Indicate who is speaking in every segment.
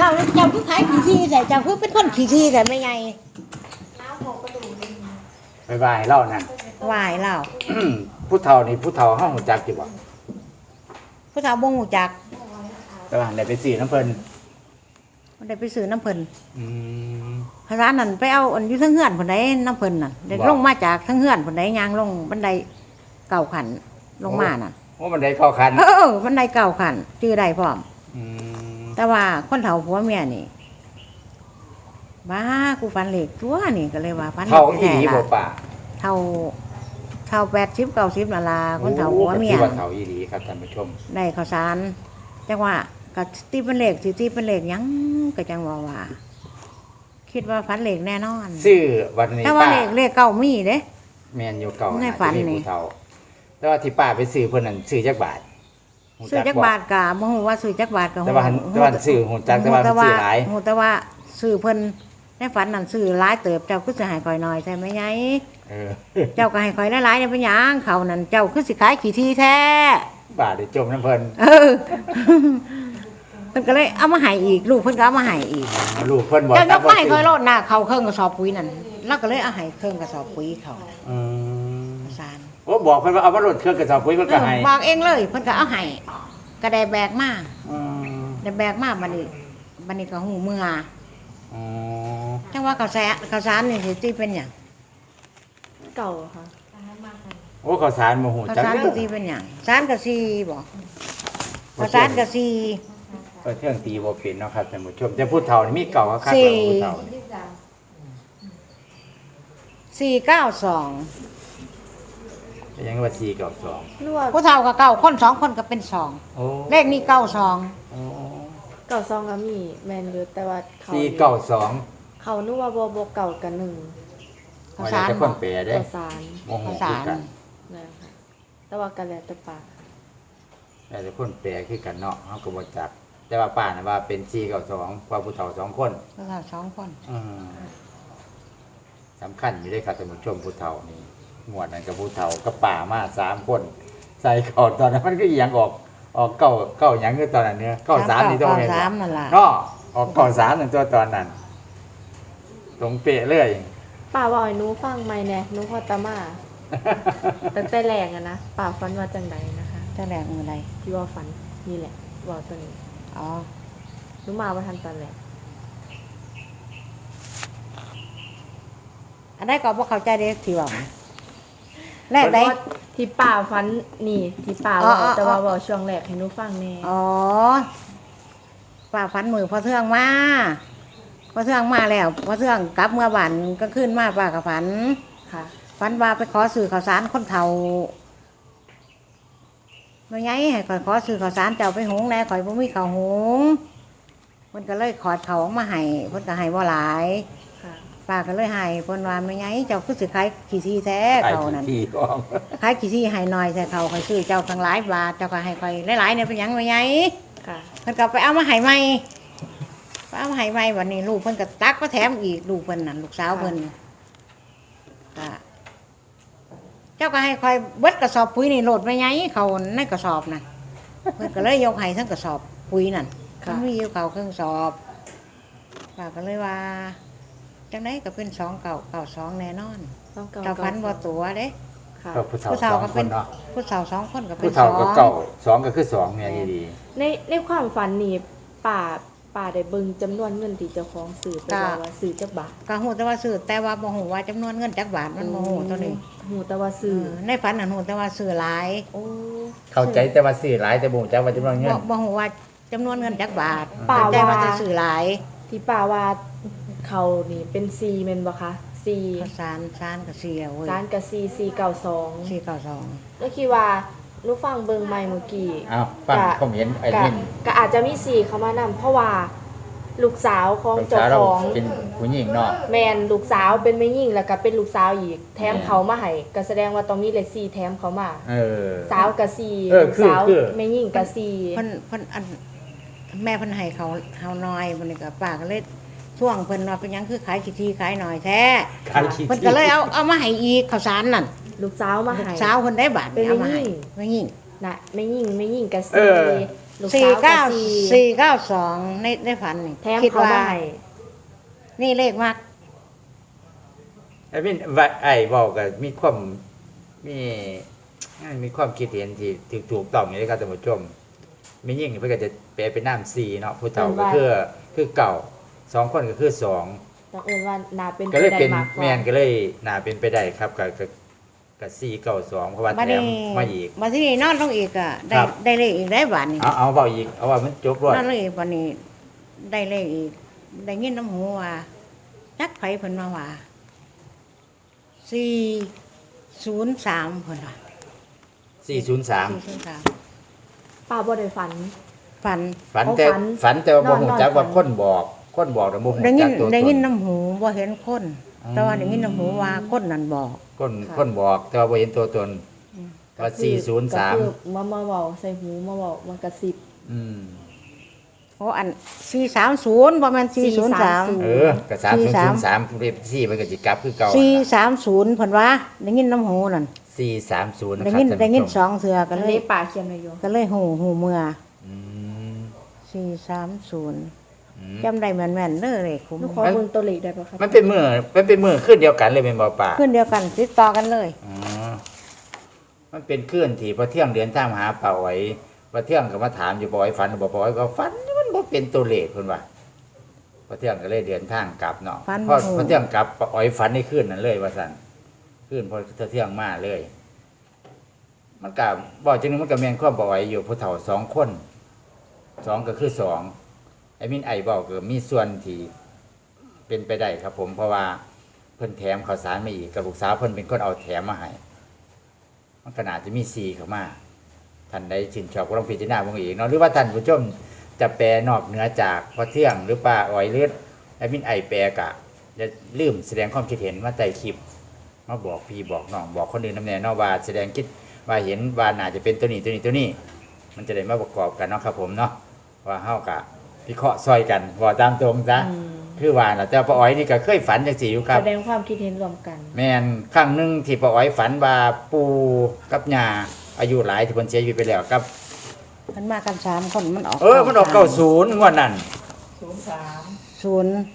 Speaker 1: เจ้าคือขายขี้ที่แต่เจ้าคือเป็นคนขี้ที่แต่ไม่ไง
Speaker 2: บายบายเล่านั่น
Speaker 1: วายเล่า
Speaker 2: ผู้เฒ่านี่ผู้เฒ่าห้องหูจักอยู่บ่
Speaker 1: ผู้สาวบ่ฮู้จัก
Speaker 2: แต่ว่าได้ไปซื้อน้ำเพิ่น
Speaker 1: มันได้ไปซื้อน้ำเพิ่น
Speaker 2: อืม
Speaker 1: พระร้านนั่นไปเอาอันอยู่ทั้งเฮือนพุ่นใดน้ำเพิ่นน่ะได้ลงมาจากทั้งเฮือนพุ่นใดย่างลงบันไดเก่าขันลงมาน่ะ
Speaker 2: โอ้มันได้เข้าคัน
Speaker 1: บันไดเก่าขันชื่อได้พร้อม
Speaker 2: อืม
Speaker 1: แต่ว่าคนเฒ่าผัวเมียนี่บ้ากูฟันเหล็กตัวนี่ก็เลยว่าฟันเหล็
Speaker 2: เฒ่าก อี
Speaker 1: แท้
Speaker 2: หลีบ่
Speaker 1: ล่ะ
Speaker 2: ป่า
Speaker 1: เท่า80 90นั่นล่ะคนเฒ่าผัวเมีย
Speaker 2: โอ้ก็ถือว่าเฒ่าอีหลีครับท่านผู้ชม
Speaker 1: ได้ข้าวสารจังว่าก็ตีเป็นเหล็กสิตีเป็นเหล็กหยังก็จังว่า คิดว่าฟันเหล็กแน่นอน
Speaker 2: ซื้อวันนี้
Speaker 1: แต่ว่า
Speaker 2: ป้า
Speaker 1: เลขเก่ามีเด้
Speaker 2: แม่นอยู่เก่า
Speaker 1: ในฝัน
Speaker 2: อาจจะมี
Speaker 1: นี่
Speaker 2: ผู้เฒ่าแต่ว่าที่ป้าไปซื้อเพิ่นนั่นซื้อจักบาทหู
Speaker 1: ซื้อจัก
Speaker 2: บ่
Speaker 1: บาทกะบ่ฮู้ว่าซื้อจักบาทก็
Speaker 2: แต่ว่าซื้อหูจักแต่ว่ามันซื้อหลาย
Speaker 1: ฮู้แต่ว่าซื้อเพิ่นในฝันนั่นซื้อหลายเติบเจ้าคือสิให้ข่อยน้อยใช่ไหมยาย
Speaker 2: เออ
Speaker 1: เจ้าก็ให้ข่อยหลายๆเนี่ยเป็นหยังเขานั่นเจ้าคือสิขายขี้ที่แท้
Speaker 2: ป้าได้จมน้ำเพิ่น
Speaker 1: เออ เพิ่นก็เลยเอามาให้อีกลูกเพิ่นก็เอามาให้อีก
Speaker 2: ลูกเพิ่นบ่
Speaker 1: เจ้ายก
Speaker 2: บ่
Speaker 1: มาให้ข่อยโลดหน้าเขาเครื่องกระสอบปุ๋ยนั่นแล้วก็เลยเอาให้เครื่องกระสอบปุ๋ยเขา
Speaker 2: อืม
Speaker 1: สาร
Speaker 2: โอ้บอกเพิ่นว่าเอามาลดเครื่องกระสอบปุ๋ยเพิ่นก็ให้
Speaker 1: บอกเองเลยเพิ่นก็เอาให้ก็ได้แบกมา
Speaker 2: อืม
Speaker 1: ได้แบกมาบัดนี้ก็หูเมื่อ
Speaker 2: อ๋อ
Speaker 1: จังว่าข้าวสารนี่สิตีเป็นหยัง
Speaker 3: เก่าค่ะ
Speaker 2: โอ้ข้าวสารบ่ฮู้
Speaker 1: ข้าว
Speaker 2: จัก
Speaker 1: สาร
Speaker 2: เด้
Speaker 1: ก็
Speaker 2: อ
Speaker 1: ตีเป็นหยังสารก็สีบ่ข้าวสารก็สี
Speaker 2: ก็เที่ยงตีบ่เป็นเนาะครับท่านผู้ชมแต่ผู้เฒ่านี่มีเก่าคักๆ
Speaker 1: สี่
Speaker 2: แล้วผู้เฒ่านี่
Speaker 1: 492
Speaker 2: ก็ยังว่า4กับ2
Speaker 3: นวด
Speaker 1: ผู้เฒ่าก็เก้าคน2คนก็เป็น2
Speaker 2: โอ้
Speaker 1: เลขนี้92
Speaker 2: โอ้
Speaker 3: เก่าซองก็มีแมนอยู่แต่ว่าเขา
Speaker 2: 4 9 2
Speaker 3: เขานึกว่าโบเก่ากันหนึ่ง
Speaker 1: ข้าวสาร
Speaker 2: แต่คนแปลเด้
Speaker 3: เก่าสาร
Speaker 2: บ่ฮู้
Speaker 1: ข้าว
Speaker 2: คือ
Speaker 1: สาร
Speaker 2: กัน
Speaker 3: นะคะแต่ว่ากันแล้วแต่ปาก
Speaker 2: แต่คนแปลคือกันเนาะเฮาก็บ่จักแต่ว่าป้าน่ะว่าเป็น4กับ2ว่าผู้เฒ่า2คน
Speaker 1: ผู้เฒ่า2คน
Speaker 2: อืมสำคัญอยู่เด้ครับท่านผู้ชมผู้เฒ่านี่หมวดนั้นกับผู้เฒ่ากับป้ามา3คนใส่เข้าตอนนั้นมันก็อีหยังออกเก้าหยังคือตอนนั้นเนี่ย93นี่ต้องเห็น
Speaker 1: 93นั่นล่ะ
Speaker 2: เนาะออก93นั่นตัวตอนนั้นตรงเป๊ะเลย
Speaker 3: ป่าว่าให้หนูฟังไหมแน่หนูพอตามาตั้งแต่แรกอะนะป่าฟันว่าจังใดนะคะ
Speaker 1: แต่แรกมื้อใด
Speaker 3: ที่ว่าฟันนี่แหละบอกตัวนี้
Speaker 1: อ๋อ
Speaker 3: หนูมาว่าทันตอนแรก
Speaker 1: อันใดก็บ่เข้าใจเด้ที่ว่าแรกได้
Speaker 3: เพราะว่าที่ป่าฟันนี่ที่ป่า
Speaker 1: อ๋อ
Speaker 3: ว่า
Speaker 1: อ๋อ
Speaker 3: แต่ว่าบอกช่วงแรกให้หนูฟังแน่
Speaker 1: อ๋อป้าฝันมือพอเทื่องมาพอเทื่องมาแล้วพอเทื่องกลับเมื่อวันก็ขึ้นมาป้าก็ฝัน
Speaker 3: ค่ะ
Speaker 1: ฝันว่าไปขอสื่อข่าวสารคนเฒ่าไม่ไงให้ข่อยขอสื่อข่าวสารเจ้าไปหุงแหน่ข่อยบ่มีข้าวหุงเพิ่นก็เลยขอดเขาวออกมาให้เพิ่นก็ให้บ่หลาย
Speaker 3: ค่ะ
Speaker 1: ป้าก็เลยให้เพิ่นว่าไม่ไงเจ้าคือสิขายขี้ที่แท้
Speaker 2: ไอ้
Speaker 1: เขานั่น
Speaker 2: ที่ออก
Speaker 1: ขายขี้ที่ให้หน่อยแต่เขาข่อยซื้อเจ้าทั้งหลายบาทเจ้าก็ให้ข่อยหลายๆเนี่ยเป็นหยังไม่ไง
Speaker 3: ค่ะ
Speaker 1: เพิ่นก็ไปเอามาให้ใหม่ไปเอามาให้ใหม่วันนี้ลูกเพิ่นก็ตักมาแถมอีกลูกเพิ่นน่ะลูกสาวเพิ่นก็เจ้าก็ให้คอยเบิดกระสอบปุ๋ยนี่โหลดไปไงเขาในกระสอบน่ะเพิ่นก็เลยยกให้ทั้งกระสอบปุ๋ยนั่น
Speaker 3: ค่ะ
Speaker 1: มันมีอยู่เขาเครื่องสอบป้าก็เลยว่าจังไดก็เป็น2992แน่นอน
Speaker 3: ต้องเก่า
Speaker 1: เจ้าพันบ่ตัวเด้
Speaker 3: ค่ะ
Speaker 2: ก็ผู้เฒ่า
Speaker 1: ผู้เฒ่า
Speaker 2: สอง
Speaker 1: ก็
Speaker 2: ค
Speaker 1: เป็น
Speaker 2: นเนาะ
Speaker 1: ผู้สาว2คนก็เป็
Speaker 2: ผู้
Speaker 1: น
Speaker 2: เฒ่าก็
Speaker 1: 2
Speaker 2: เก่า2ก็คือ2เนี่ยดี
Speaker 3: ในความฝันนี่ป่าได้เบิ่งจำนวนเงินที่เจ้าของซื้อไปว่าซื้อจักบาท
Speaker 1: ก็ฮู้แต่ว่าซื้อแต่ว่าบ่ฮู้ว่าจำนวนเงินจักบาทมันบ่ฮู้ตัวนี้
Speaker 3: หูแต่ว่าซื้อ
Speaker 1: ในฝันน่ะฮู้แต่ว่าซื้อหลาย
Speaker 3: โอ้
Speaker 2: ๆเข้าใจแต่ว่าซื้อหลายแต่บ่รู้จักว่าจำนวนเงิน
Speaker 1: บ่ฮู้ว่าจำนวนเงินจักบาท
Speaker 3: ป่า
Speaker 1: แต่
Speaker 3: ว่า
Speaker 1: ว่าจะซื้อหลาย
Speaker 3: ที่ป่าว่าเขานี่เป็นซีแม่นบ่คะซี
Speaker 1: ข้าวสารก็เสียเว้ย
Speaker 3: จานกับซี492
Speaker 1: 492
Speaker 3: แล้วคิดว่าหนูฟังเบิ่งใหม่เมื่อกี้
Speaker 2: อ้าวฟังความเห็นไอ้มิน
Speaker 3: ก็อาจจะมีซีเข้ามานำเพราะว่าลูกสาวของ
Speaker 2: ลูก
Speaker 3: เจ้า
Speaker 2: สาวเรา
Speaker 3: ของ
Speaker 2: เป็นผู้หญิงเนาะ
Speaker 3: แมนลูกสาวเป็นแม่ยิ่งแล้วก็เป็นลูกสาวอีกแถมเขามาให้ก็แสดงว่าต้องมีเลข4แถมเขามา
Speaker 2: เออ
Speaker 3: สาวกับซี
Speaker 2: เออ
Speaker 3: ลูก
Speaker 2: คือ
Speaker 3: สาว
Speaker 2: คือ
Speaker 3: แม่ยิ่งกับซี
Speaker 1: เพิ่นอันแม่เพิ่นให้เขาเฮาน้อยบัดนี้ก็ป้าก็เลยช่วงเพิ่นว่าเป็นหยังคือขายขี้ที่ขายหน่อยแท้
Speaker 2: ขายขี้
Speaker 1: เพิ่นก็เลยเอามาให้อีกข้าวสารนั่น
Speaker 3: ลูกสาวมา
Speaker 1: ลูก
Speaker 3: ให้
Speaker 1: สาวเพิ่นได้บาท
Speaker 3: เป็น
Speaker 1: เอามาให้
Speaker 3: แม่หญิง
Speaker 1: แม่หญิง
Speaker 3: น่ะแม่ยิ่งกับ
Speaker 2: เอ
Speaker 3: ซี
Speaker 2: อ
Speaker 3: ลูก
Speaker 1: สี่
Speaker 3: สาว
Speaker 1: เก้า
Speaker 3: 4
Speaker 1: 492ในฝันนี่
Speaker 3: แถม
Speaker 1: คิด
Speaker 3: เขา
Speaker 1: ว่า
Speaker 3: บ่ให้
Speaker 1: นี่เลขมาก
Speaker 2: ไอ้พี่ว่าไอ้บอกก็มีความมีมีความคิดเห็นที่ถูกต้องอยู่เลยครับท่านผู้ชมมียิ่งเพื่อจะแปลเป็นน้ำสี่เนาะผู้เฒ่าก็คือเก่า2คนก็คือ2
Speaker 3: ต้องเอิ้นว่าน่าเป็น
Speaker 2: ก็เลยเป็น
Speaker 3: ไปได้มากกว่า
Speaker 2: แม่นก็เลยน่าเป็นไปได้ครับกับ492เพราะว่า
Speaker 1: บัด
Speaker 2: แถ
Speaker 1: นี้
Speaker 2: มมาอีก
Speaker 1: บัดนี้นอนลงอีกอ่ะได้
Speaker 2: ครับ
Speaker 1: ได้เลขอีกได้บาทนี่
Speaker 2: เอาเบาอีกเอาว่ามันจบรวด
Speaker 1: นอนลงอีกวันนี้ได้เลขอีกได้ยินน้ำหูว่าจักไผเพิ่นมาว่า403เพิ่นว่า
Speaker 2: 403
Speaker 1: 403
Speaker 3: ป้าบ่ได้ฝัน
Speaker 1: ฝัน
Speaker 2: ฝันแต่ว่าบ่ฮู้จัก
Speaker 3: นอน
Speaker 2: ว่าคนบอกแต่บ่ฮู้
Speaker 1: ได้ยิ
Speaker 2: จั
Speaker 1: น
Speaker 2: กตัวต
Speaker 1: ได้ยิน
Speaker 2: น
Speaker 1: น้ำหูบ่เห็นคน แต่ว่าได้ยินน้ำหูว่าคนนั่นบอก
Speaker 2: คนบอกแต่ว่าบ่เห็นตัวตนแต่ว่า
Speaker 3: ก็คือ
Speaker 2: 403
Speaker 3: มาเว้าใส่หูมาเว้ามากระซิบ
Speaker 2: อืม
Speaker 1: เพราะอัน430บ่แม่น403
Speaker 2: เออก็3003เรียบ4มันก็สิกลับคือเก่า
Speaker 1: 430เพิ่นว่าได้ยินน้ำหูนั่น
Speaker 2: 430นะ
Speaker 1: ได้
Speaker 2: ครับ
Speaker 1: ยิน
Speaker 2: ท่าน
Speaker 1: ได้ยิน
Speaker 2: ผู้ช
Speaker 1: ส
Speaker 2: ม
Speaker 1: องเทื่อก็
Speaker 3: อัน
Speaker 1: เลย
Speaker 3: นี้ป้าเขียนไว้อยู่
Speaker 1: ก็เลยหูเมื่อ
Speaker 2: อืม
Speaker 1: 430จำได้แม่นๆเด้อเลขคุ้ม
Speaker 3: หนูขอเบิ่งตัวเลขได้บ่ครับ
Speaker 2: มันเป็นมือขึ้นเดียวกันเลยเป็นบ่ป่า
Speaker 1: ขึ้นเดียวกันติดต่อกันเลย
Speaker 2: อ๋อมันเป็นคลื่นที่พอเที่ยงเดือนทางมาหาป่าไว้พอเที่ยงก็มาถามอยู่บ่อยฝันบ่บ่อยก็ฝันมันบ่เป็นตัวเลขเพิ่นว่าพอเที่ยงก็เลยเดินทางกลับเนาะพอเที่ยงกลับป่าอ้อยฝันในคืนนั้นเลยว่าซั่นคืนพอเที่ยงมาเลย มันก็บอกจังนึงมันก็แม่นความป่าไว้อยู่ผู้เฒ่า2คน2ก็คือ2ไอ้มินไอ้บอกก็มีส่วนที่เป็นไปได้ครับ ผมเพราะว่าเพิ่นแถมข้าวสารมาอีกกับลูกสาวเพิ่นเป็นคนเอาแถมมาให้มันก็น่าจะมี4เข้ามาท่านใดชื่นชอบก็ลองพิจารณาเบิ่งอีกเนาะหรือว่าท่านผู้ชมจะแปลนอกเหนือจากพอเที่ยงหรือป้าอ้อยเลือดไอ้มินไอ้แปลกะอย่าลืมแสดงความคิดเห็นมาใต้คลิปมาบอกพี่บอกน้องบอกคนอื่นนำแน่เนาะว่าแสดงคิดว่าเห็นว่าน่าจะเป็นตัวนี้มันจะได้มาประกอบกันเนาะครับผมเนาะว่าเฮากะพิเคราะห์ซอยกันบอกตามตรงซะ คือว่าน่ะแต่ป้าอ้อยนี่ก็เคยฝันจังซี่อยู่ครับ
Speaker 3: แสดงความคิดเห็นรวมกัน
Speaker 2: แม่นครั้งหนึงที่ป้าอ้อยฝันว่าปู่กับย่าอายุหลายที่เพิ่นเสียชีวิตไปแล้วครับ
Speaker 1: มันมากัน3คนมันออก
Speaker 2: มันออก90งวดนั้น
Speaker 1: 0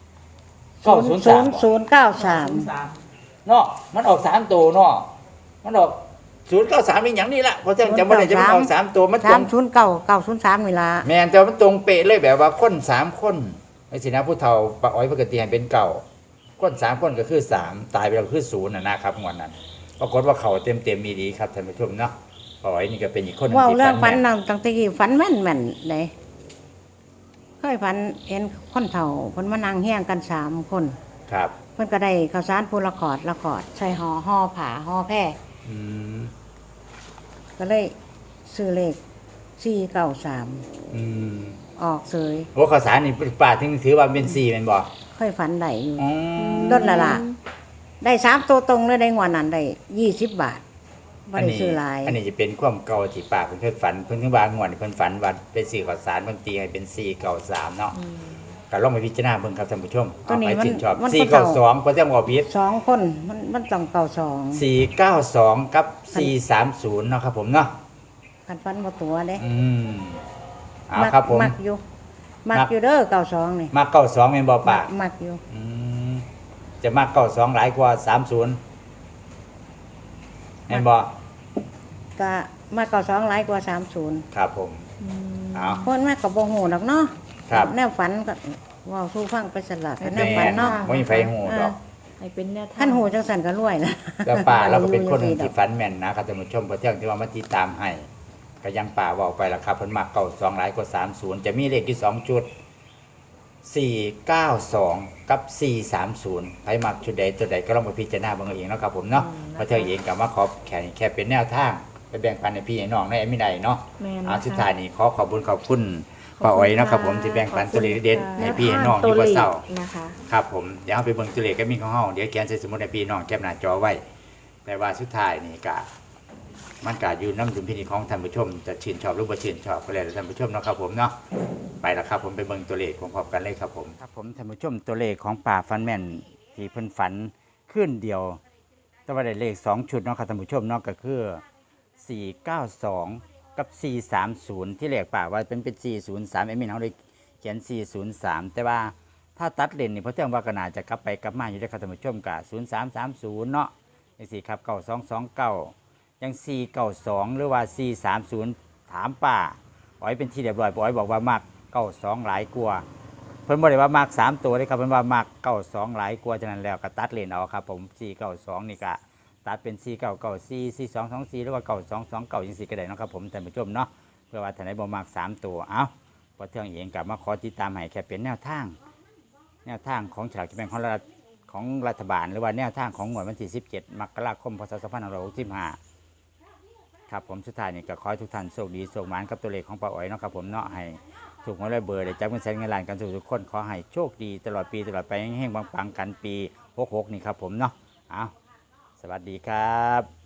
Speaker 2: 903
Speaker 1: 093
Speaker 2: เนาะมันออก3ตัวเนาะมันออก093เป็นหยังนี่ล่ะเพราะฉะนั้นจำบ่ได้จะมันออก3ตัวมันตรง
Speaker 1: 309 903เวลา
Speaker 2: แม่นแต่ว่ามันตรงเป๊ะเลยแบบว่าคน3คนไอ้สินะผู้เฒ่าป้าอ้อยปกติให้เป็นเก่าคน3คนก็คือ3ตายไปแล้วก็คือ0น่ะนะครับงวดนั้นปรากฏว่าเขาเต็มมีดีครับท่านผู้ชมเนาะป้าอ้อยนี่ก็เป็นอีกคนหนึง
Speaker 1: เว้า
Speaker 2: ที่
Speaker 1: เรื่องฝั
Speaker 2: ฝั
Speaker 1: น
Speaker 2: นแม่น
Speaker 1: นั่นตั้งแต่กี้ฝันแม่นเด้เคยฝันเห็นคนเฒ่าเพิ่นมานั่งเฮียงกัน3คน
Speaker 2: ครับ
Speaker 1: เพิ่นก็ได้ข้าวสารพูละขอดใส่ห่อผ้าห่อแพร่
Speaker 2: อืม
Speaker 1: ก็เลยซื้อเลข493
Speaker 2: อืม
Speaker 1: ออกเสย
Speaker 2: โอ้ข้าวสารนี่ป้าถึงถือว่าเป็น4แม่นบ่
Speaker 1: เคยฝันได้อยู่
Speaker 2: อ๋อ
Speaker 1: ลดละล่ะได้3ตัวตรงเลยได้งวดนั้นได้20 บาทบ่ได้ซื้อหลาย
Speaker 2: อันนี้จะเป็นความเก่าที่ป้าเพิ่นเคยฝันเพิ่นถึงว่างวดนี้เพิ่นฝันว่าไปซื้อข้าวสารเพิ่นตีให้เป็น493เนาะก็ลองไปพิจารณาเบิ่งครับท่านผู้ชม
Speaker 1: ตัวนี้
Speaker 2: เอาไปชื่นชอบ
Speaker 1: มันคนเฒ่า
Speaker 2: 492เพิ่นจะบอกผิด
Speaker 1: 2คนมันต้องเก่า2
Speaker 2: 492กับ430เนาะครับผมเนาะ
Speaker 1: คันฝันบ่ตัวเด้
Speaker 2: เอาครับผม
Speaker 1: มักอยู่เด้อ92นี่
Speaker 2: มา92แม่นบ่ป้า
Speaker 1: มักอยู่
Speaker 2: อืมจะมา92หลายกว่า30แม่นบ่
Speaker 1: ก็มัก92หลายกว่า30
Speaker 2: ครับผมเอา
Speaker 1: คนแม่ก็บ่ฮู้ดอกเนาะ
Speaker 2: ครับ
Speaker 1: แนวฝันก็เว้าสู่ฟังไปสลับแนวฝันเนาะ
Speaker 2: บ่มีไผฮู้ดอก
Speaker 3: ให้เป็นแนวทาง
Speaker 1: คันฮู้จังซั่นก็รวยนะ
Speaker 2: แล้วป่าเราก็เป็นคนหนึ่งที่ฝันแม่นนะครับท่านผู้ชมเพราะเที่ยงที่ว่ามาติดตามให้ก็ยังป่าเว่าไปแล้วครับเพิ่นมาเก่า2หลายกว่า30จะมีเลขที่2จุด492กับ430ใครมักชุดใดตัวใดก็ลองไปพิจารณาเบิ่งเอาเองเนาะครับผมเนาะเพราะเที่ยงเองก็มาขอแค่เป็นแนวทางไปแบ่งปันให้พี่ให้น้องได้ไม่ได้เนาะ
Speaker 3: แม่น
Speaker 2: เอา
Speaker 3: นะคะ
Speaker 2: สุดท้ายนี้ขอบคุณป้าอ้อยเนาะครับผมที่แบ่งปันตัวเลขเด็ดๆให้พี่ให้น้องอยู่บ่เศร้า
Speaker 3: นะคะ
Speaker 2: ครับผมเดี๋ยวเราไปเบิ่งตัวเลขก็มีของเฮาเดี๋ยวเขียนใส่สมุดให้พี่น้องแคปหน้าจอไว้ แต่ว่าสุดท้ายนี่ก็มันก็อยู่น้ำดุลพินิจของท่านผู้ชมจะชื่นชอบหรือบ่ชื่นชอบก็แล้วแต่ท่านผู้ชมเนาะครับผมเนาะไปแล้วครับผมไปเบิ่งตัวเลขพร้อมๆกันเลยครับผมครับผมท่านผู้ชมตัวเลขของป่าฟันแม่นที่เพิ่นฝันขึ้นเดียว แต่ว่าได้เลข2ชุดเนาะครับท่านผู้ชมเนาะก็คือ492
Speaker 4: กับ 430 ที่แรกป่าว่าเป็น403เอมินเขาเลยเขียน 403 แต่ว่าถ้าตัดเลนนี่เพราะเทื่องว่าก็น่าจะกลับไปกลับมาอยู่ได้ครับท่านผู้ชมกับ0330เนาะจังซี่ครับ9229ยัง492หรือว่า430ถามป่าอ๋อยเป็นที่เรียบร้อยป๋อยบอกว่ามัก92หลายกว่าเพิ่นบ่ได้ว่ามัก3ตัวเลยครับเพิ่นว่ามัก92หลายกว่าฉะนั้นแล้วก็ตัดเลนเอาครับผม492นี่ก็ตัดเป็น4994 4224หรือว่า9229จังซี่ก็ได้เนาะครับผมท่านผู้ชมเนาะเพื่อว่าท่านใดบ่มัก3ตัวเอ้าพอเทื่องเองก็มาขอติดตามให้แค่เป็นแนวทางของฉลากกินแบ่งของรัฐบาลหรือว่าแนวทางของงวดวันที่17มกราคมพศ2565ครับผมสุดท้ายนี่ก็ขอให้ทุกท่านโชคดีโชคหมานกับตัวเลขของป้าอ๋อยเนาะครับผมเนาะให้ถูกหวยรวยเบอร์ได้จับเงินแสนเงินล้านกันทุกคนขอให้โชคดีตลอดปีตลอดไปแห้งๆปังๆกันปี66นี่ครับผมเนาะเอาสวัสดีครับ